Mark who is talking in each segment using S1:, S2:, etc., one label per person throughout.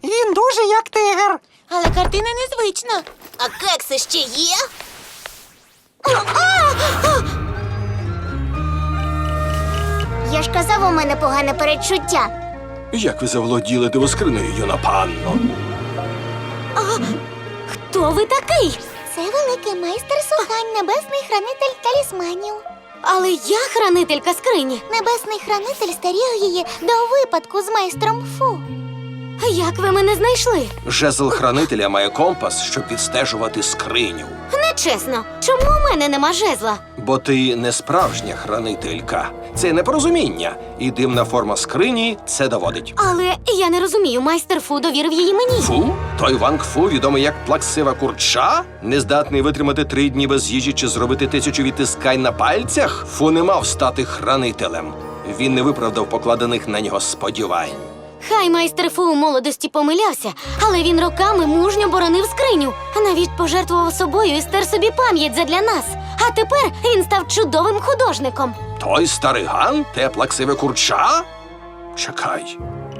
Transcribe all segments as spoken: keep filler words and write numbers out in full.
S1: Він дуже як тигр.
S2: Але картина незвична. А кекси ще є?
S3: Я ж казав, у мене погане передчуття.
S4: Як ви заволоділи дивоскринею, юна панно?
S3: Хто ви такий? Це великий майстер Сухань, небесний хранитель талісманів. Але я хранителька скрині. Небесний хранитель стеріг її до випадку з майстром Фу. Як ви мене знайшли?
S4: Жезл хранителя має компас, щоб відстежувати скриню.
S3: Нечесно. Чому у мене нема жезла?
S4: Бо ти не справжня хранителька. Це непорозуміння. І дивна форма скрині це доводить.
S3: Але я не розумію, майстер Фу довірив її мені.
S4: Фу? Той Ванг Фу, відомий як плаксива курча? Нездатний витримати три дні без їжі чи зробити тисячу відтискань на пальцях? Фу не мав стати хранителем. Він не виправдав покладених на нього сподівань.
S3: Хай майстер Фу у молодості помилявся, але він роками мужньо боронив скриню. Навіть пожертвував собою і стер собі пам'ять задля нас. А тепер він став чудовим художником.
S4: Той старий ган? Те плаксиве курча? Чекай.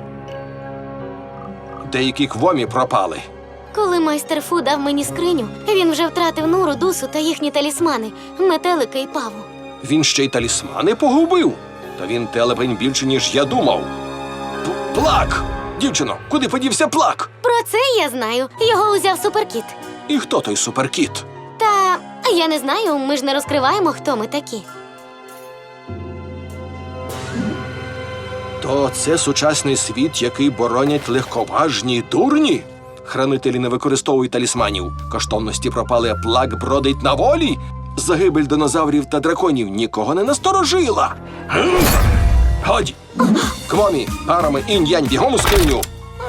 S4: Деякі квомі пропали.
S3: Коли майстер Фу дав мені скриню, він вже втратив Нуру, Дусу та їхні талісмани – метелика і паву.
S4: Він ще й талісмани погубив. Та він телепень більше, ніж я думав. П- Плак! Дівчино, куди подівся Плак?
S3: Про це я знаю. Його узяв суперкіт.
S4: І хто той суперкіт?
S3: Та я не знаю, ми ж не розкриваємо, хто ми такі.
S4: То це сучасний світ, який боронять легковажні дурні? Хранителі не використовують талісманів. Коштовності пропали, а Плак бродить на волі? Загибель динозаврів та драконів нікого не насторожила. Гм! Годі! Квомі, парами, інь-янь, бігом у скриню!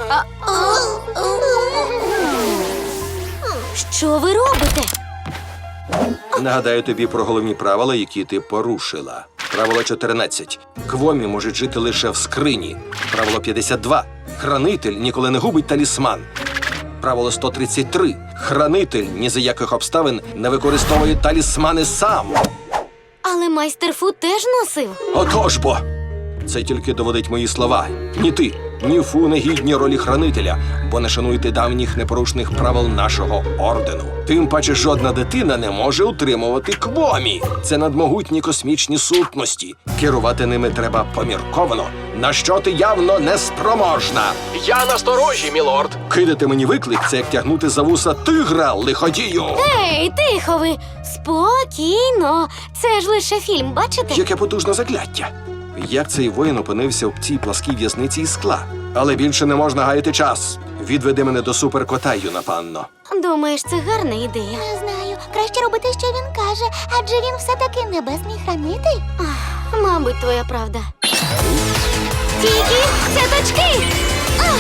S3: Що ви робите?
S4: Нагадаю тобі про головні правила, які ти порушила. Правило чотирнадцять. Квомі можуть жити лише в скрині. Правило п'ятдесят два. Хранитель ніколи не губить талісман. Правило сто тридцять три. Хранитель ні за яких обставин не використовує талісмани сам.
S3: Але майстер Фу теж носив.
S4: Отож бо! Це тільки доводить мої слова. Ні ти, ні Фу не гідні ролі хранителя, бо не шануєте давніх непорушних правил нашого ордену. Тим паче жодна дитина не може утримувати квомі. Це надмогутні космічні сутності. Керувати ними треба помірковано, на що ти явно не спроможна. Я насторожі, мілорд. Кидати мені виклик – це як тягнути за вуса тигра, лиходію.
S3: Ей, тихо ви! Спокійно! Це ж лише фільм, бачите?
S4: Яке потужне закляття. Як цей воїн опинився в цій пласкій в'язниці із скла? Але більше не можна гаяти час. Відведи мене до суперкота, юна панно.
S3: Думаєш, це гарна ідея?
S2: Не знаю. Краще робити, що він каже, адже він все-таки небесний хранитель.
S3: Ах, мабуть, твоя правда. Тільки цяточки! Ах!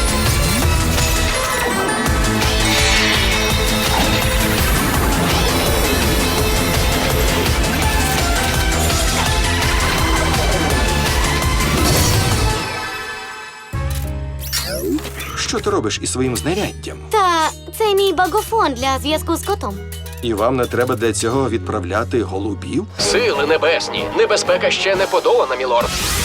S4: Що ти робиш із своїм знаряддям?
S3: Та це мій багофон для зв'язку з котом.
S4: І вам не треба для цього відправляти голубів?
S5: Сили небесні, небезпека ще не подолана, мілорд.